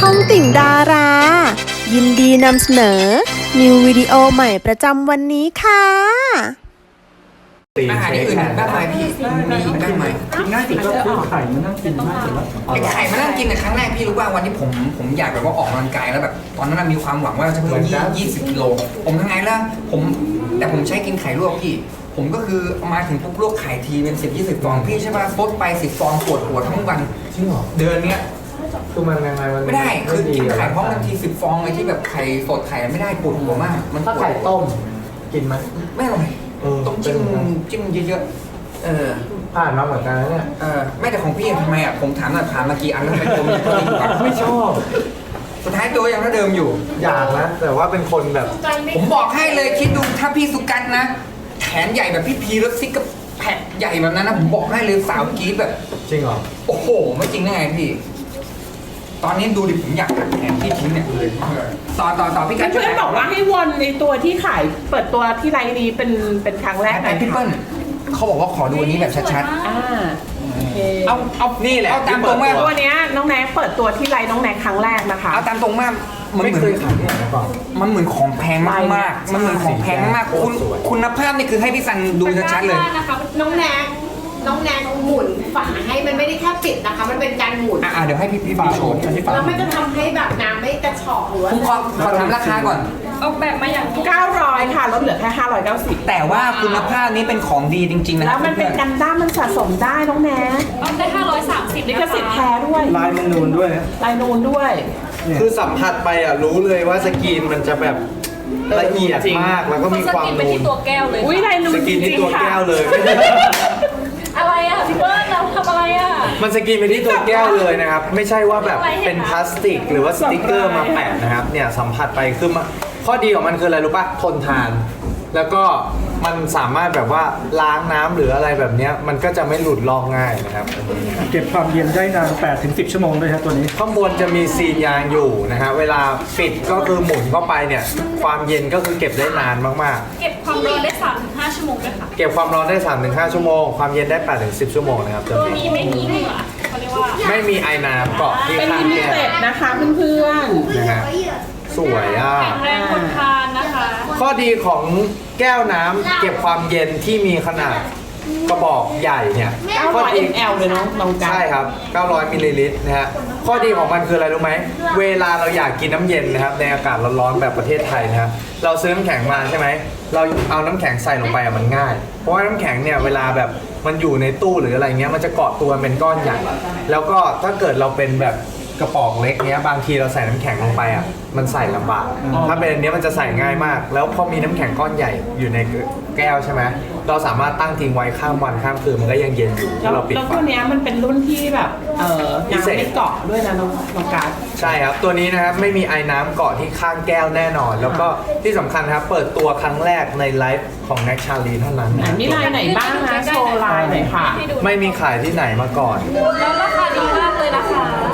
องติ่งดารา ยินดีนำเสนอ นิววิดีโอใหม่ประจำวันนี้ค่ะอาหารอื่นมากมายพี่มีอีกมากมายง่ายสุดก็ซื้อไข่มานั่งกินง่ายสุดแล้วไอ้ไข่มานั่งกินในครั้งแรกพี่รู้ว่าวันที่ผมอยากแบบว่าออกกำลังกายแล้วแบบตอนนั้นมีความหวังว่าจะเพิ่ม20 กิโลผมทำไงล่ะแต่ผมใช้กินไข่ลวกพี่ผมก็คือมาถึงปุ๊บลวกไข่ทีเป็น10-20 ฟองพี่ใช่ป่ะซดไป10 ฟองปวดหัวทั้งวันจริงเหรอเดือนเนี้ยคือมันยังไงมันไม่ได้คือกินไข่พร้อมกันที10 ฟองเลยที่แบบไข่สดไข่ไม่ได้ปวดหัวมากมันถ้าไข่ต้มกินไหมไม่อร่อย ต้องจิ้มเยอะผ่านมาเหมือนกันนะเนี่ยไม่แต่ของพี่ทำไมอ่ะผมถามหน่อยผ่านมากี่อันแล้วทำไมตัวมันไม่ชอบสุดท้ายตัวยังเท่าเดิมอยู่อยากนะแต่ว่าเป็นคนแบบผมบอกให้เลยคิดดูถ้าพี่สุกันนะแขนใหญ่แบบพี่พีรถซิกกับแผ่ใหญ่แบบนั้นนะผมบอกให้เลยสาวกรี๊ดแบบจริงเหรอโอ้โหไม่จริงได้ไงพี่ตอนนี้ดูดิผมอยากตัดแขนพี่ทิ้งเนี่ยต่อพี่กันช่วยเพื่อนบอกว่าให้วนในตัวที่ขายเปิดตัวที่ไรนี้เป็นครั้งแรกแต่พี่เปิ้ลเขาบอกว่าขอดูอันนี้แบบชัดโอเคๆเอานี่แหละเอาตามตรงมากตัวเนี้ยน้องแน็กเปิดตัวที่ไรน้องแน็กครั้งแรกนะคะเอาตามตรงมากมันไม่เหมืเคอนยขายที่ไหนมาก่อนมันเหมือนของแพงมากๆมันเหมือนของแพงมากๆคุณภาพนี่คือให้พี่ซันดูชัดๆเลยนะคะน้องแนงหมุนฝาให้มันไม่ได้แค่ปิดนะคะ มันเป็นการหมุนเดี๋ยวให้พี่โชว์แล้วมันจะทำให้แบบน้ำไม่กระชอกหรือว่าผมขอถามราคาก่อนออกแบบมาอย่างนี้ 900ค่ะลดเหลือแค่590 แต่ว่าคุณภาพนี้เป็นของดีจริงๆนะคแล้รัวมันเป็นกันด้ามมันสะสมได้น้องแน็กออกได้530 ลิขสิทธิ์แท้ด้วยลายมันนูนด้วยนะลายนูนด้วยคือสัมผัสไปอ่ะรู้เลยว่าสกรีนมันจะแบบละเอียดมากแล้วก็มีความนูนอุ้ยลายนูนสกจรีนที่ริงตัวๆค่ะแก้วเลยอะไรอ่ะพี่เบิ้ลเราทำอะไรอ่ะมันสกรีนไปที่ตัวแก้วเลยนะครับ ไม่ใช่ว่าแบบเป็นพลาสติกหรือว่าสติกเกอร์มาแปะนะครับเนี่ยสัมผัสไปคือข้อดีของมันคืออะไรรู้ป่ะทนทาน แล้วก็มันสามารถแบบว่าล้างน้ำหรืออะไรแบบเนี้ยมันก็จะไม่หลุดลอกง่ายนะครับเก็บความเย็นได้นาน 8-10 ชั่วโมงด้วยครับตัวนี้ข้างบนจะมีซีนยางอยู่นะฮะเวลาปิดก็คือหมุนเข้าไปเนี่ยความเย็นก็คือเก็บได้นานมากเก็บความร้อนได้ 3-5 ชั่วโมงด้วยค่ะๆ เก็บความร้อนได้ 3-5 ชั่วโมงความเย็นได้ 8-10 ชั่วโมงนะครับตัวตัวนี้นี้ไม่มีเหงื่อเขาเรียกว่าไม่มีไอน้ำเกาะที่เป็นข้างลิมิแก้วเต็ดนะคะเพื่อนนะฮะสวยอ่ะแข็งแรงทนทานนะคะข้อดีของแก้วน้ำเก็บความเย็นที่มีขนาดกระบอกใหญ่เนี่ยๆข้อดี 900 ml เลยน้องกันใช่ครับ 900 มิลลิลิตรนะฮะ ข้อดีของมันคืออะไรรู้ไหม เวลาเราอยากกินน้ำเย็นนะครับ ในอากาศร้อนๆแบบประเทศไทยนะฮะเราซื้อน้ำแข็งมาใช่ไหม เราเอาน้ำแข็งใส่ลงไปอะมันง่าย เพราะว่าน้ำแข็งเนี่ยเวลาแบบมันอยู่ในตู้หรืออะไรเงี้ย มันจะเกาะตัวเป็นก้อนใหญ่ แล้วก็ถ้าเกิดเราเป็นแบบกระป๋องเล็กเนี้ย บางทีเราใส่น้ำแข็งลงไปอ่ะ มันใส่ลำบาก ถ้าเป็นอันเนี้ยมันจะใส่ง่ายมาก แล้วพอมีน้ำแข็งก้อนใหญ่อยู่ในแก้วใช่ไหม เราสามารถตั้งทิ้งไว้ข้ามวันข้ามคืนมันก็ยังเย็นอยู่แล้วถ้าเราปิดแล้วฝาตัวเนี้ยมันเป็นรุ่นที่แบบน้ำไม่เกาะด้วยนะน้องการใช่ครับ ตัวนี้นะครับไม่มีไอ้น้ำเกาะที่ข้างแก้วแน่นอน แล้วก็ที่สำคัญครับเปิดตัวครั้งแรกในไลฟ์ของแน็กชาลีเท่านั้นนะมีลายไหนบ้างนะโชว์ลายหน่อยค่ะไม่มีขายที่ไหนมาก่อนแล้วราคาดีมากเลยนะคะ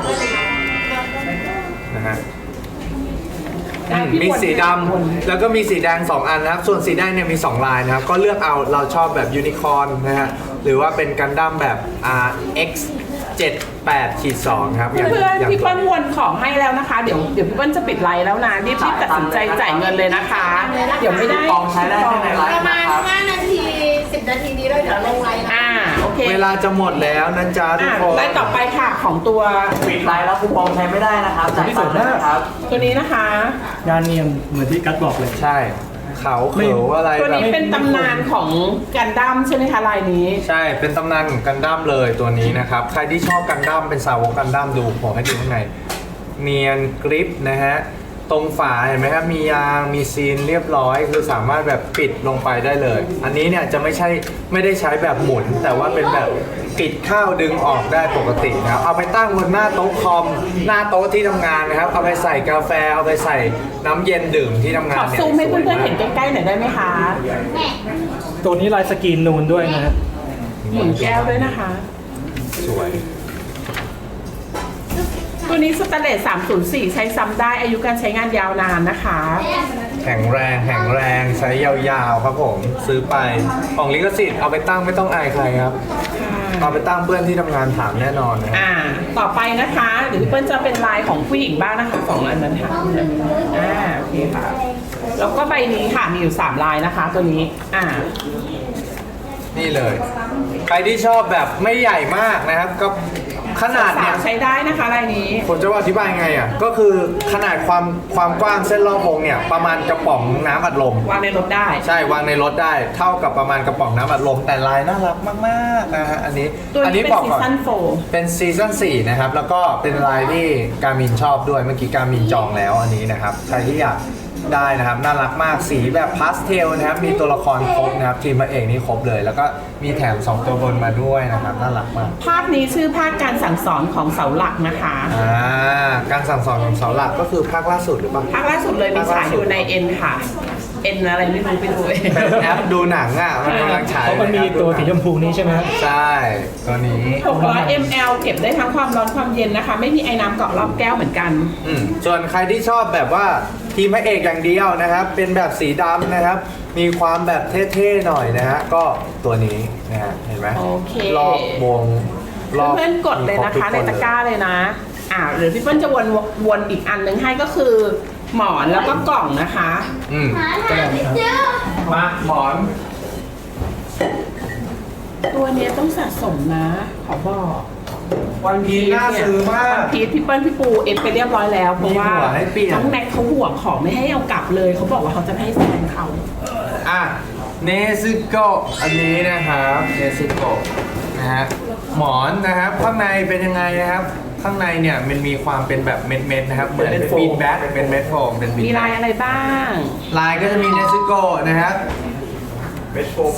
นะฮะมีสีดำแล้วก็มีสีแดง 2 อันนะครับ ส่วนสีแดงเนี่ยมี 2 ลายนะครับ ก็เลือกเอาเราชอบแบบยูนิคอร์นนะฮะหรือว่าเป็นกันดั้มแบบ RX 78-2ครับอย่างเพื่อนอย่างพี่เปิ้ลวนของให้แล้วนะคะ เดี๋ยวพี่เปิ้ลจะปิดไลน์แล้วนะรีบตัดสินใจจ่ายเงินเลยนะคะ เดี๋ยวไม่ได้กองใช้ได้แค่ในไลประฟ์มานะณครับ 5 นาที 10 นาทีนี้เราเดี๋ยวลงไลน์นะโอเคเวลาจะหมดแล้วนะจ๊ะทุกคนไลน์ต่อไปค่ะของตัวปิดไลน์แล้วคูปองใช้ไม่ได้นะครับจ่ายตังค์นะครับตัวนี้นะคะงานเนียนเหมือนที่กัดบอกเลยใช่เขาเขียวอะไรตัวแบบนี้เป็นตำนานของกันดั้มใช่ไหมคะลายนี้ใช่เป็นตำนานของกันดั้มเลยตัวนี้นะครับ ใครที่ชอบกันดั้มเป็นสาวกกันดั้มดูผมให้ดูข้างในเนียนกริปนะฮะตรงฝาเห็นไหมครับมียางมีซีนเรียบร้อยคือสามารถแบบปิดลงไปได้เลย อันนี้เนี่ยจะไม่ได้ใช้แบบหมุน แต่ว่าเป็นแบบปิดเข้าดึงออกได้ปกตินะครับเอาไปตั้งบนหน้าโต๊ะคอมหน้าโต๊ะที่ทำงานนะครับเอาไปใส่กาแฟเอาไปใส่น้ำเย็นดื่มที่ทำงาขนอเนี่ยซูมให้เพื่อนๆเห็นใกล้ๆหน่อยได้ไหมคะตัวนี้ลายสกรีนนูนด้วยนะฮะหมุนแก้วด้วยนะคะสวยตัวนี้สแตนเลส304 ใช้ซ้ำได้อายุการใช้งานยาวนานนะคะแข็งแรงใช้ยาวๆครับผมซื้อไปของลิขสิทธิ์เอาไปตั้งไม่ต้องอายใครครับคเอาไปตั้งเพื่อนที่ทำงานถามแน่นอนนะครับต่อไปนะคะเดี๋ยวพี่เปิ้ลจะเป็นลายของผู้หญิงบ้างนะคะ2อันนั้นค่ะโอเคค่ะแล้วก็ใบนี้ค่ะมีอยู่3ลายนะคะตัวนี้นี่เลย ใครที่ชอบแบบไม่ใหญ่มากนะครับ ก็ขนาดเนี่ยใช้ได้นะคะลายนี้ผมจะว่าอธิบายไงอ่ะก็คือขนาดความกว้างเส้นรอบวงเนี่ยประมาณกระป๋องน้ำอัดลมวางในรถได้ใช่วางในรถได้เท่ากับประมาณกระป๋องน้ำอัดลมแต่ลายน่ารักมากๆนะฮะอันนี้ตัวนี้เป็นบอกซีก่อนซั่น4 เป็นซีซั่น4นะครับแล้วก็เป็นลายที่การมินชอบด้วยเมื่อกี้การมินจองแล้วอันนี้นะครับใครที่อยากได้นะครับน่ารักมากสีแบบพาสเทลนะครับมีตัวละครครบนะครับทีมพระเอกนี่ครบเลย แล้วก็มีแถม2ตัวบนมาด้วยนะครับน่ารักมากภาพนี้ชื่อภาคการสั่งสอนของเสาหลักนะคะการสั่งสอนของเสาหลักก็คือภาคล่าสุดหรือเปล่าภาคล่าสุดเลยมีฉายอยู่ใน N ค่ะ N อะไรไม่รู้ไปดูเองเป็นแอปดูหนังอ่ะมันกำลังฉายเพราะมันมีตัวสีชมพูนี้ใช่ไหมครับใช่ตัวนี้ 600 ml เก็บได้ทั้งความร้อนความเย็นนะคะ ไม่มีไอ้น้ำเกาะรอบแก้วเหมือนกันส่วนใครที่ชอบแบบว่าทีมพระเอกอย่างเดียวนะครับ เป็นแบบสีดำนะครับ มีความแบบเท่ๆหน่อยนะฮะก็ตัวนี้นะฮะเห็นไหมโอเครอบวงรอบเพื่อนๆกดเลยนะคะในตะกร้าเลยนะหรือพี่เปิ้ลจะวนอีกอันนึงให้ก็คือ หมอนแล้วก็กล่องนะคะมาหมอนตัวเนี้ยต้องสะสมนะ ขอบอกวันพีชน่าซื้อมากพีทพี่เปิ้ลพี่ปูเอฟไปเรียบร้อยแล้วเพราะว่ามีหัวให้เปลี่ยนน้องแม็กเขาห่วงของไม่ให้เอากลับเลยเขาบอกว่าเขาจะไม่ให้แซงเขาเนซึโกะอันนี้นะครับเนซึโกะนะฮะหมอนนะครับข้างในเป็นยังไงนะครับ ข้างในเนี่ยมันมีความเป็นแบบเม็ดๆนะครับเหมือนเป็นบีนแบ็คเป็นเม็ดโฟมเป็นบีนมีลายอะไรบ้างลายก็จะมีเนซึโกะนะครับเม็ดโฟม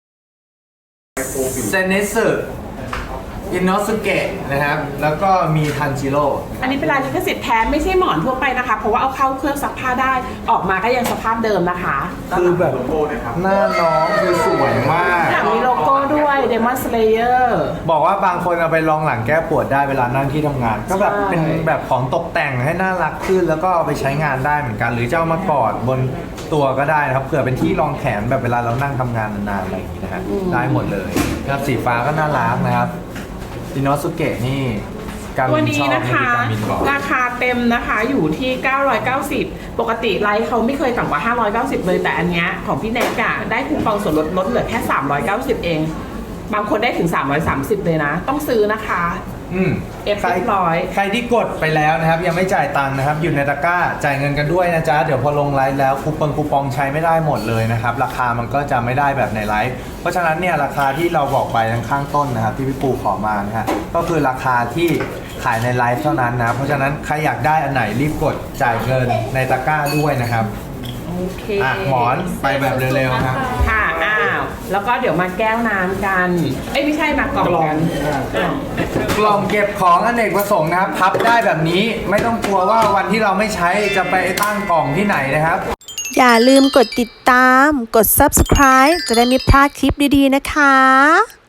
เซเนสึอินโนสุเกะนะครับแล้วก็มีทันจิโร่อันนี้เป็นลายลิขสิทธิ์แท้ไม่ใช่หมอนทั่วไปนะคะ เพราะว่าเอาเข้าเครื่องซักผ้าได้ออกมาก็ยังสภาพเดิมนะคะคือแบบหน้าน้องคือสวยมากหลังมีโลโก้ด้วย Demon Slayer บอกว่าบางคนเอาไปรองหลังแก้ปวดได้เวลานั่งที่ทำงาน ก็แบบใช่เป็นแบบของตกแต่งให้น่ารักขึ้น แล้วก็เอาไปใช้งานได้เหมือนกัน หรือจะเอามากอดบนตัวก็ได้นะครับเผื่อเป็นที่รองแขนแบบเวลาเรานั่งทำงานนานๆอะไรอย่างนี้นะฮะได้หมดเลยนะครับสีฟ้าก็น่ารักนะครับอินโนสุเกะนี่การตัวมินนี้ชอบนะคะการมินบอกราคาเต็มนะคะอยู่ที่ 990 ปกติไลฟ์เขาไม่เคยต่ำกว่า 590 เลยแต่อันเนี้ยของพี่แนกอะได้คูปองส่วนลดเหลือแค่ 390 เอง บางคนได้ถึง 330 เลยนะ ต้องซื้อนะคะ เอฟใครเรียบร้อยใครที่กดไปแล้วนะครับยังไม่จ่ายตังค์นะครับอยู่ในตะกร้าจ่ายเงินกันด้วยนะจ๊ะเดี๋ยวพอลงไลฟ์แล้วคูปองใช้ไม่ได้หมดเลยนะครับราคามันก็จะไม่ได้แบบในไลฟ์เพราะฉะนั้นเนี่ยราคาที่เราบอกไปทางข้างต้นนะครับที่พี่ปูขอมานะฮะก็คือราคาที่ขายในไลฟ์เท่านั้นนะเพราะฉะนั้นใครอยากได้อันไหนรีบกดจ่ายเงินในตะกร้าด้วยนะครับโอเคหมอนไปแบบเร็วๆครับค่ะ แล้วก็เดี๋ยวมาแก้วน้ำกัน ไม่ใช่มากล่องกันกล่องเก็บของอเนกประสงค์นะครับพับได้แบบนี้ไม่ต้องกลัวว่าวันที่เราไม่ใช้จะไปตั้งกล่องที่ไหนนะครับอย่าลืมกดติดตาม กด subscribe จะได้ไม่พลาดคลิปดีๆนะคะ